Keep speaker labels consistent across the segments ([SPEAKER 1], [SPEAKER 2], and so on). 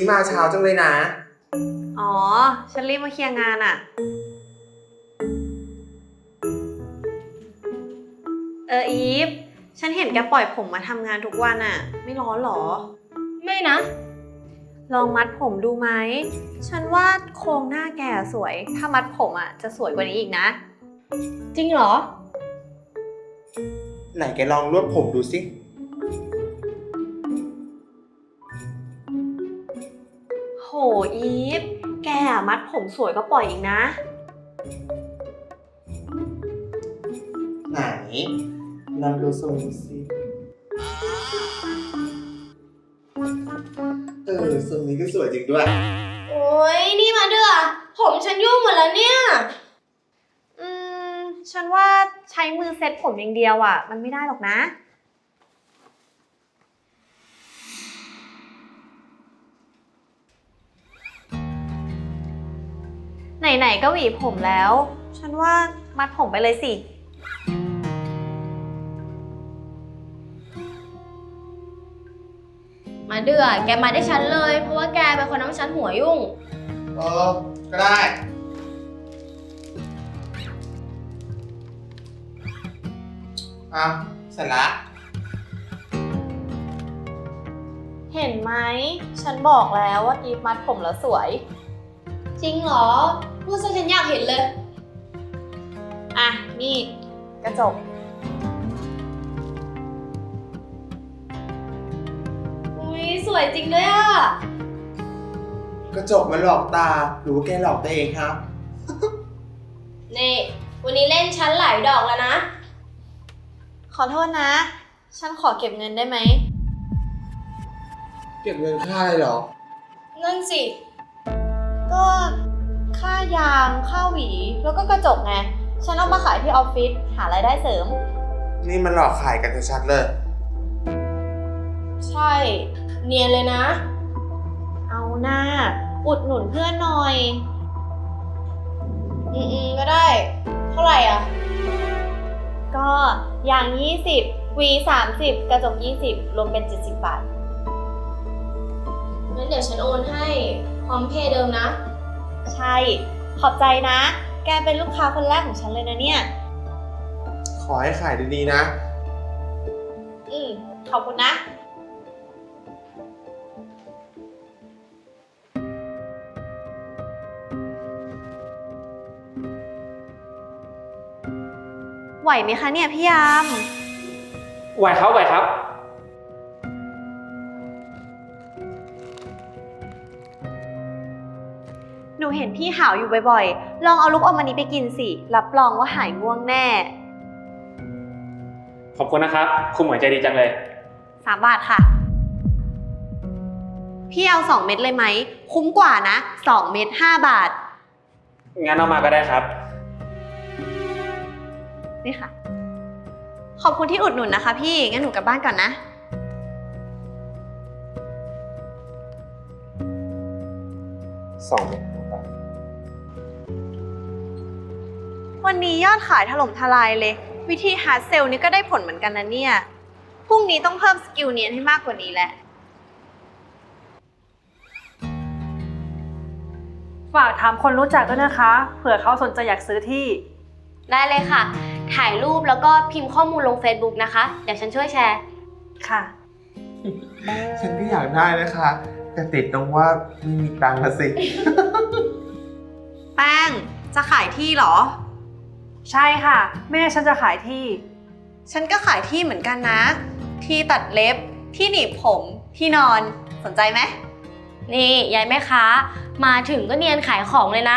[SPEAKER 1] นี้มาเช้าจังเลยนะ
[SPEAKER 2] อ๋อ ฉันรีบมาเคลียร์งานอะอีฟ ฉันเห็นแกปล่อยผมมาทำงานทุกวันอะไม่ร้อนหรอ
[SPEAKER 3] ไม่นะ
[SPEAKER 2] ลองมัดผมดูไหม ฉันว่าโครงหน้าแกสวย ถ้ามัดผมอะจะสวยกว่านี้อีกนะ
[SPEAKER 3] จริงเหรอ
[SPEAKER 1] ไหนแกลองรวบผมดูสิ
[SPEAKER 2] โหอีฟ แกมัดผมสวยก็ปล่อยอีกนะ
[SPEAKER 1] ไหนลองดูทรงสิทรงนี้ก็สวยจริงด้วย
[SPEAKER 3] โอ้ยนี่มาเดือผมฉันยุ่งหมดแล้วเนี่ย
[SPEAKER 2] ฉันว่าใช้มือเซ็ตผมอย่างเดียวอะมันไม่ได้หรอกนะ ไหนๆก็หวีผมแล้ว ฉันว่ามัดผมไปเลยสิ
[SPEAKER 3] มาเดือแกมาได้ฉันเลย เพราะว่าแกเป็นคนทำให้ฉันหัวยุ่ง
[SPEAKER 1] ก็ได้อ่ะเสร็จละ
[SPEAKER 2] เห็นไหม ฉันบอกแล้วว่าอีฟมัดผมแล้วสวย
[SPEAKER 3] จริงเหรอ พูดซะฉันอยากเห็นเลย
[SPEAKER 2] อ่ะ นี่กระจก
[SPEAKER 3] อุ้ยสวยจริงด้วยอ่ะ
[SPEAKER 1] กระจกมันหลอกตา หรือว่าแกหลอกตัวเองครับ
[SPEAKER 3] นี่วันนี้เล่นฉันหลายดอกแล้วนะ
[SPEAKER 2] ขอโทษนะ ฉันขอเก็บเงินได้ไหม
[SPEAKER 1] เก็บเงินค่าเลยเหรอ
[SPEAKER 3] นั่นสิ
[SPEAKER 2] ก็ค่ายาง ค่าหวี แล้วก็กระจกไง ฉันเอามาขายที่ออฟฟิศ หารายได้เสริม
[SPEAKER 1] นี่มันหลอกขายกันชัดๆเลย
[SPEAKER 3] ใช่ เนียนเลยนะ
[SPEAKER 2] เอาหน้า อุดหนุนเพื่อนหน่อย
[SPEAKER 3] ก็ได้ เท่าไหร่อ่ะ
[SPEAKER 2] ก็ยาง 20 หวี 30 กระจก 20 รวมเป็น 70 บาท
[SPEAKER 3] งั้นเดี๋ยวฉันโอนให้พร้อมเพย์เดิมนะ
[SPEAKER 2] ใช่ ขอบใจนะ แกเป็นลูกค้าคนแรกของฉันเลยนะเนี่ย
[SPEAKER 1] ขอให้ขายดีๆนะ
[SPEAKER 2] ขอบคุณนะ ไหวไหมคะเนี่ยพี่ยาม
[SPEAKER 4] ไหวครับไหวครับ
[SPEAKER 2] หนูเห็นพี่หาวอยู่บ่อยๆ ลองเอาลูกอมอันนี้ไปกินสิ รับรองว่าหายง่วงแน่
[SPEAKER 4] ขอบคุณนะครับ คุณหมวยใจดีจังเลย
[SPEAKER 2] 3 บาทค่ะ พี่เอา2 เม็ดเลยไหม คุ้มกว่านะ2 เม็ด5 บาท
[SPEAKER 4] งั้นเอามาก็ได้ครับ
[SPEAKER 2] นี่ค่ะ ขอบคุณที่อุดหนุนนะคะพี่ งั้นหนูกลับบ้านก่อนนะ
[SPEAKER 1] 2 เม็ดบาท
[SPEAKER 2] วันนี้ยอดขายถล่มทลายเลย วิธีฮาร์ดเซลนี่ก็ได้ผลเหมือนกันนะเนี่ย พรุ่งนี้ต้องเพิ่มสกิลเนียนให้มากกว่านี้แหละ
[SPEAKER 5] ฝากถามคนรู้จักด้วยนะคะ เผื่อเขาสนใจอยากซื้อที่
[SPEAKER 3] ได้เลยค่ะ ถ่ายรูปแล้วก็พิมพ์ข้อมูลลง Facebook นะคะ เดี๋ยวฉันช่วยแชร์
[SPEAKER 5] ค่ะ
[SPEAKER 1] ฉันก็อยากได้นะคะ แต่ติดตรงว่าไม่มีตังค์ละสิ
[SPEAKER 2] แป้ง จะขายที่เหรอ
[SPEAKER 5] ใช่ค่ะ แม่ฉันจะขายที่
[SPEAKER 2] ฉันก็ขายที่เหมือนกันนะ ที่ตัดเล็บ ที่หนีบผม ที่นอน สนใจไหม
[SPEAKER 3] นี่ยายแม่ค้า มาถึงก็เนียนขายของเลยนะ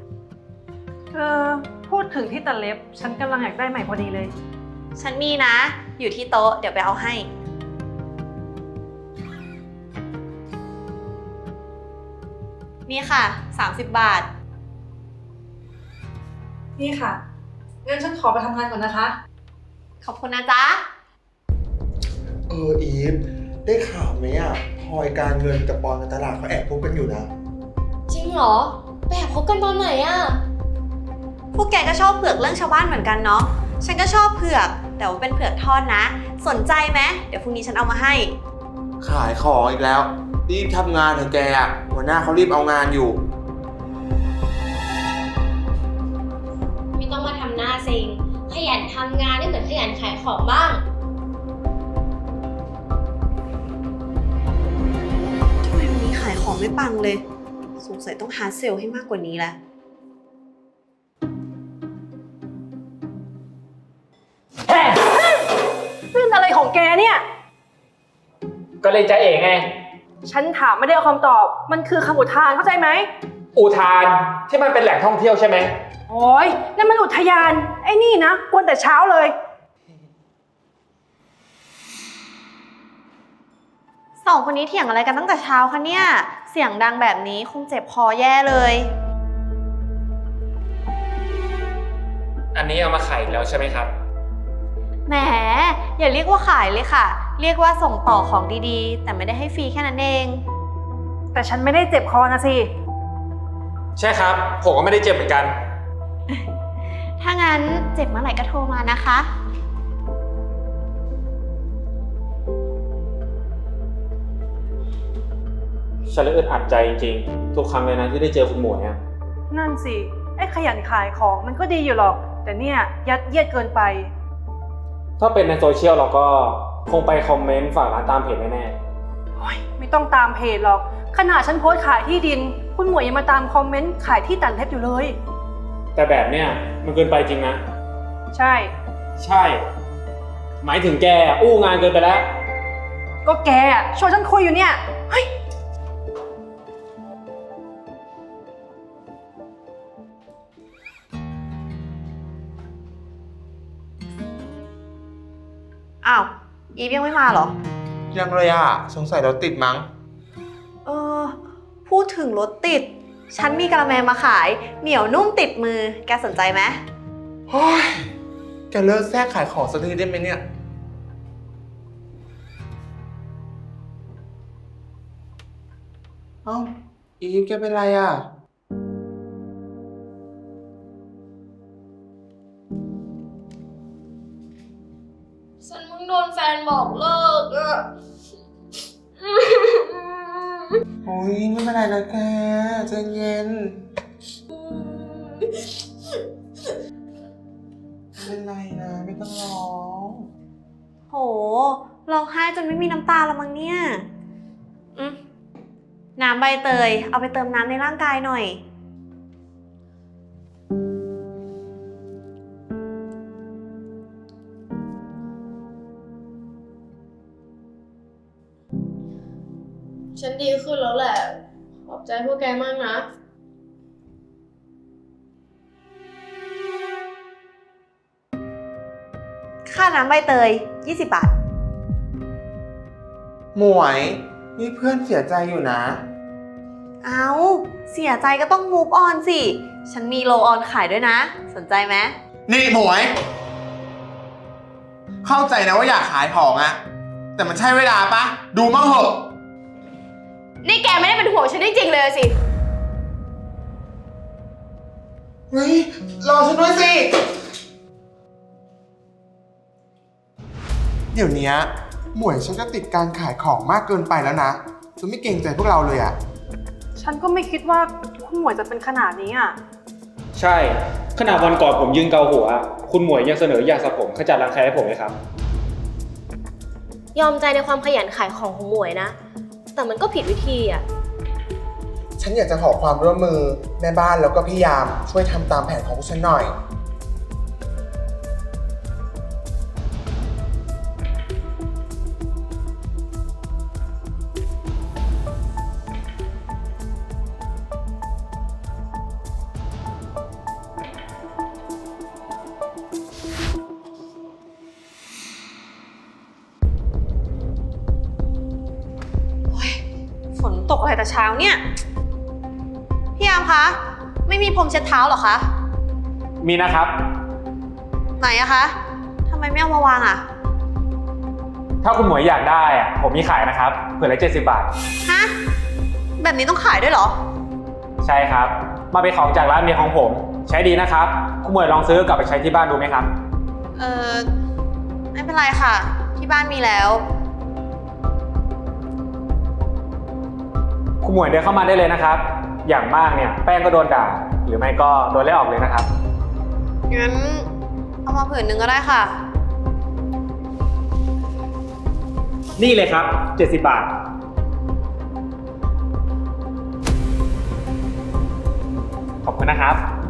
[SPEAKER 5] พูดถึงที่ตัดเล็บ ฉันกำลังอยากได้ใหม่พอดีเลย
[SPEAKER 2] ฉันมีนะ อยู่ที่โต๊ะ เดี๋ยวไปเอาให้ นี่ค่ะ 30 บาท
[SPEAKER 5] นี่ค่ะ งั้นฉันขอไปทำงานก่อนนะคะ
[SPEAKER 2] ขอบคุณนะจ๊ะ
[SPEAKER 1] อีฟ ได้ข่าวไหมอ่ะพลอยการเงินกับปอนการตลาดเขาแอบพบกันอยู่นะ
[SPEAKER 3] จริงเหรอไปแอบคบกันตอนไหนอะ
[SPEAKER 2] พวกแกก็ชอบเผือกเรื่องชาวบ้านเหมือนกันเนาะ ฉันก็ชอบเผือก แต่ว่าเป็นเผือกทอดนะ สนใจไหม เดี๋ยวพรุ่งนี้ฉันเอามาให้
[SPEAKER 1] ขายของอีกแล้วรีบทำงานเถอะแกอะหัวหน้าเขารีบเอางานอยู่
[SPEAKER 3] ไม่ต้องมาทำหน้าเซ็งขยันทำงานได้เหมือนขยันขายของบ้าง
[SPEAKER 2] ทำไมวันนี้ขายของไม่ปังเลย สงสัยต้องหาเซลล์ให้มากกว่านี้แล้ว
[SPEAKER 5] เป็นอะไรของแกเนี่ย
[SPEAKER 4] ก็เลยจะเองไง
[SPEAKER 5] ฉันถามไม่ได้เอาคำตอบ มันคือคำอุทานเข้าใจไหม
[SPEAKER 4] อุทานที่มันเป็นแหล่งท่องเที่ยวใช่ไหม
[SPEAKER 5] โอ้ยนั่นมันอุทยาน ไอ้นี่นะกวนแต่เช้าเลย
[SPEAKER 2] สองคนนี้เถียงอะไรกันตั้งแต่เช้าคะเนี่ย เสียงดังแบบนี้คงเจ็บคอแย่เลย
[SPEAKER 4] อันนี้เอามาขายอีกแล้วใช่ไหมครับ
[SPEAKER 2] แหม อย่าเรียกว่าขายเลยค่ะ เรียกว่าส่งต่อของดีๆ แต่ไม่ได้ให้ฟรีแค่นั้นเอง
[SPEAKER 5] แต่ฉันไม่ได้เจ็บคอนะสิ
[SPEAKER 4] ใช่ครับ ผมก็ไม่ได้เจ็บเหมือนกัน
[SPEAKER 2] ถ้างั้นเจ็บเมื่อไหร่ก็โทรมานะคะ
[SPEAKER 4] ฉันเลยอึดอัดใจจริงๆ ทุกครั้งเลยนะที่ได้เจอคุณหมวยอะ
[SPEAKER 5] นั่นสิ ไอ้ขยันขายของมันก็ดีอยู่หรอก แต่เนี่ยยัดเยียดเกินไป
[SPEAKER 4] ถ้าเป็นในโซเชียลเราก็คงไปคอมเมนต์ฝากร้านตามเพจแน่
[SPEAKER 5] โอ๊ยไม่ต้องตามเพจหรอก ขนาดฉันโพสต์ขายที่ดิน คุณหมวยยังมาตามคอมเมนต์ขายที่ตันเพชรอยู่เลย
[SPEAKER 4] ๆ แต่แบบเนี้ยมันเกินไปจริงนะ
[SPEAKER 5] ใช่
[SPEAKER 4] ใช่ หมายถึงแกอู้งานเกินไปแล้ว
[SPEAKER 5] ก็แกอะชวนฉันคุยอยู่เนี่ย เฮ้ย
[SPEAKER 2] อ้าว อีฟยังไม่มาเหรอ
[SPEAKER 1] ยังเลยอ่ะ สงสัยรถติดมั้ง
[SPEAKER 2] เออ พูดถึงรถติด ฉันมีกะละแมมาขาย เหนียวนุ่มติดมือ แกสนใจไหม
[SPEAKER 1] โอ้ยแกเลิกแทรกขายของสักทีได้ไหมเนี่ย เอ้า อีฟแกเป็นไรอ่ะ
[SPEAKER 3] ฉันมึงโดนแฟนบอกเลิกอะ
[SPEAKER 1] โอ้ยไม่เป็นไรนะแกใจเย็นไม่เป็นไรนะ ไม่ต้องร้อง
[SPEAKER 2] โห ร้องไห้จนไม่มีน้ำตาแล้วมั้งเนี่ย น้ำใบเตย เอาไปเติมน้ำในร่างกายหน่อย
[SPEAKER 3] ฉันดีขึ้นแล้วแหละ ขอบใจพวกแกมากนะ
[SPEAKER 2] ค่าน้ำใบเตย 20 บาท
[SPEAKER 1] หมวย นี่เพื่อนเสียใจอยู่นะ
[SPEAKER 2] เอาเสียใจก็ต้อง move on สิ ฉันมีโลออนขายด้วยนะ สนใจไหม
[SPEAKER 1] นี่หมวย เข้าใจนะว่าอยากขายของอะแต่มันใช่เวลาปะ ดูมั่งเหอะ
[SPEAKER 3] นี่แกไม่ได้เป็นห่วงฉันจริงๆเลยสิ
[SPEAKER 1] เฮ้ย รอฉันด้วยสิ เดี๋ยวนี้หมวยฉันก็ติดการขายของมากเกินไปแล้วนะจนไม่เกรงใจพวกเราเลยอะ
[SPEAKER 5] ฉันก็ไม่คิดว่าคุณหมวยจะเป็นขนาดนี้อ่ะ
[SPEAKER 4] ใช่ ขนาดวันก่อนผมยืนเกาหัว คุณหมวยยังเสนอยาสระผมขจัดรังแคให้ผมเลยครับ
[SPEAKER 3] ยอมใจในความขยันขายของของหมวยนะ แต่มันก็ผิดวิธีอ่ะ
[SPEAKER 1] ฉันอยากจะขอความร่วมมือแม่บ้านแล้วก็พี่ยามช่วยทำตามแผนของพวกฉันหน่อย
[SPEAKER 2] ฝนตกอะไรแต่เช้าเนี่ย พี่ยามคะ ไม่มีพรมเช็ดเท้าเหรอคะ
[SPEAKER 4] มีนะครับ
[SPEAKER 2] ไหนอะคะ ทำไมไม่เอามาวางอะ
[SPEAKER 4] ถ้าคุณหมวยอยากได้อะผมมีขายนะครับเผื่อละ70 บาท
[SPEAKER 2] ฮะ แบบนี้ต้องขายด้วยเหรอ
[SPEAKER 4] ใช่ครับ มาเป็นของจากร้านเมียของผม ใช้ดีนะครับ คุณหมวยลองซื้อกลับไปใช้ที่บ้านดูไหมครับ
[SPEAKER 2] ไม่เป็นไรค่ะ ที่บ้านมีแล้ว
[SPEAKER 4] หมวยเดินเข้ามาได้เลยนะครับ อย่างมากเนี่ยแป้งก็โดนด่า หรือไม่ก็โดนไล่ออกเลยนะครับ
[SPEAKER 2] งั้นเอามาผืนหนึ่งก็ได้ค่ะ
[SPEAKER 4] นี่เลยครับ 70 บาท ขอบคุณนะครับ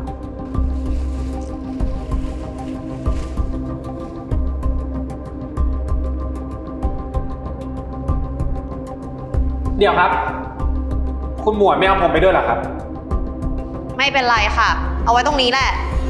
[SPEAKER 4] เดี๋ยวครับ คุณหมวยไม่เอาผมไปด้วยเหรอครับ
[SPEAKER 2] ไม่เป็นไรค่ะ เอาไว้ตรงนี้แหละ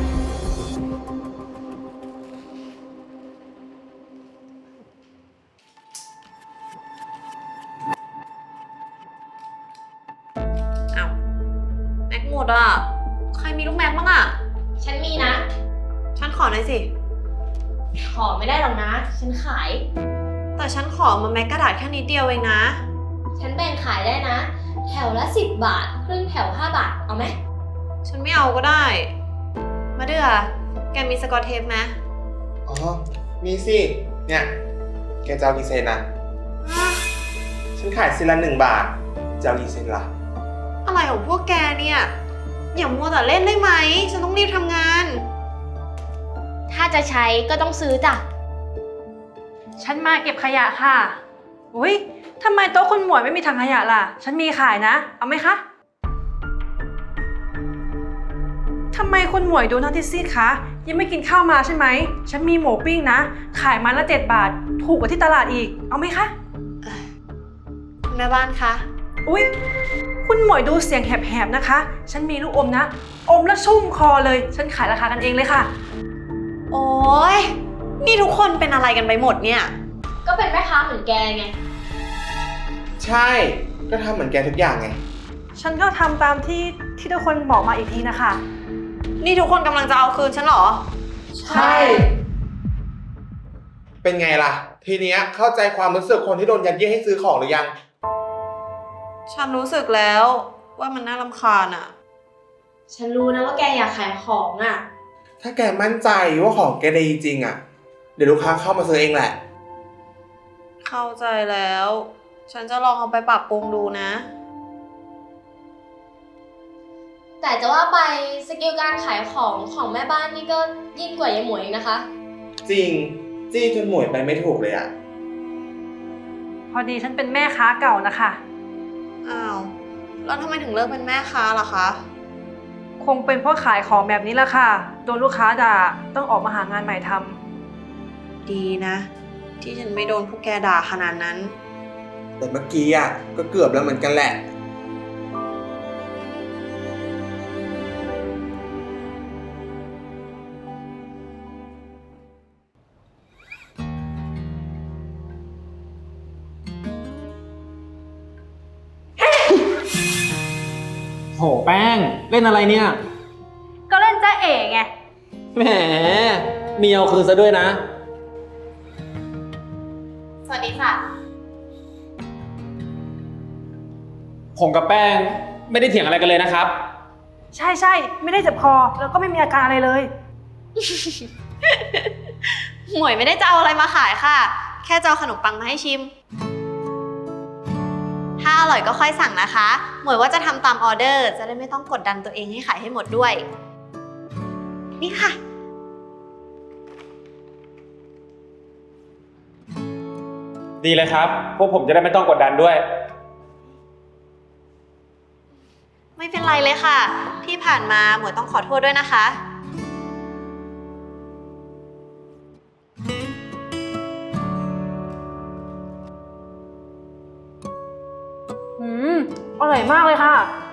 [SPEAKER 2] เอาแม็กหมดอ่ะ ใครมีลูกแม็กบ้างอ่ะ
[SPEAKER 3] ฉันมีนะ
[SPEAKER 2] ฉันขอหน่อยสิ
[SPEAKER 3] ขอไม่ได้หรอกนะ ฉันขาย
[SPEAKER 2] แต่ฉันขอมาแม็กกระดาษแค่นิดเดียวเองนะ
[SPEAKER 3] ฉันแบ่งขายได้นะ แถวละ10 บาท ครึ่งแถว5 บาท เอาไหม
[SPEAKER 2] ฉันไม่เอาก็ได้ มาเดือแกมีสกอตเทปไหม
[SPEAKER 1] อ๋อ มีสิ เนี่ย แกจะเอากี่เซนนะฉันขายเซนละ1 บาท จะเอากี่เซนล่ะ
[SPEAKER 2] อะไรของพวกแกเนี่ย อย่ามัวแต่เล่นได้ไหม ฉันต้องรีบทำงาน
[SPEAKER 3] ถ้าจะใช้ก็ต้องซื้อจ้ะ
[SPEAKER 5] ฉันมาเก็บขยะค่ะอุ้ยทำไมโต๊ะคุณหมวยไม่มีถังขยะล่ะ ฉันมีขายนะ เอาไหมคะทำไมคุณหมวยดูหน้าที่ซีดคะ ยังไม่กินข้าวมาใช่ไหม ฉันมีหมูปิ้งนะ ขายไมาละ7 บาท ถูกกว่าที่ตลาดอีก เอาไหมคะ
[SPEAKER 2] แม่บ้านคะ
[SPEAKER 5] อุ๊ย คุณหมวยดูเสียงแหบๆนะคะ ฉันมีลูกอมนะ อมแล้วชุ่มคอเลย ฉันขายราคากันเองเลยค่ะ
[SPEAKER 2] โอ๊ย นี่ทุกคนเป็นอะไรกันไปหมดเนี่ย
[SPEAKER 3] ก็เป็นแม่ค้าเหมือนแกไง
[SPEAKER 1] ใช่ ก็ทำเหมือนแกทุกอย่างไง
[SPEAKER 5] ฉันก็ทำตามที่ทุกคนบอกมาอีกทีนะคะ
[SPEAKER 2] นี่ทุกคนกำลังจะเอาคืนฉันเหรอ
[SPEAKER 5] ใช่
[SPEAKER 1] เป็นไงล่ะ ทีเนี้ยเข้าใจความรู้สึกคนที่โดนยัดเยียดให้ซื้อของหรือยัง
[SPEAKER 2] ฉันรู้สึกแล้วว่ามันน่ารำคาญอะ
[SPEAKER 3] ฉันรู้นะว่าแกอยากขายของอ่ะ
[SPEAKER 1] ถ้าแกมั่นใจว่าของแกดีจริงอ่ะ เดี๋ยวลูกค้าเข้ามาซื้อเองแหละ
[SPEAKER 2] เข้าใจแล้ว ฉันจะลองเอาไปปรับปรุงดูนะ
[SPEAKER 3] แต่จะว่าไปสกิลการขายของแม่บ้านนี่ก็ยิ่งกว่ายายหมวยอีกนะคะ
[SPEAKER 1] จริง จี้จนหมวยไปไม่ถูกเลยอ่ะ
[SPEAKER 5] พอดีฉันเป็นแม่ค้าเก่านะคะ
[SPEAKER 2] อ้าว แล้วทำไมถึงเลิกเป็นแม่ค้าล่ะคะ
[SPEAKER 5] คงเป็นเพราะขายของแบบนี้แหละค่ะ โดนลูกค้าด่า ต้องออกมาหางานใหม่ทำ
[SPEAKER 2] ดีนะ ที่ฉันไม่โดนพวกแกด่าขนาดนั้น
[SPEAKER 1] แต่เมื่อกี้อ่ะก็เกือบแล้วเหมือนกันแหละ
[SPEAKER 4] โหแป้ง เล่นอะไรเนี่ย
[SPEAKER 5] ก็เล่นจ้าเอ๋ไง
[SPEAKER 4] แหมมีเอาคืนซะด้วยนะ
[SPEAKER 3] สวัสดีค่ะ
[SPEAKER 4] ผมกับแป้งไม่ได้เถียงอะไรกันเลยนะครับ
[SPEAKER 5] ใช่ใช่ไม่ได้เจ็บคอ แล้วก็ไม่มีอาการอะไรเลย
[SPEAKER 2] หมวยไม่ได้จะเอาอะไรมาขายค่ะ แค่จะเอาขนมปังมาให้ชิม ถ้าอร่อยก็ค่อยสั่งนะคะ หมวยว่าจะทำตามออเดอร์ จะได้ไม่ต้องกดดันตัวเองให้ขายให้หมดด้วย นี่ค่ะ
[SPEAKER 4] ดีเลยครับ พวกผมจะได้ไม่ต้องกดดันด้วย
[SPEAKER 2] ไม่เป็นไรเลยค่ะ ที่ผ่านมาหมวยต้องขอโทษด้วยนะคะ
[SPEAKER 5] อร่อยมากเลยค่ะ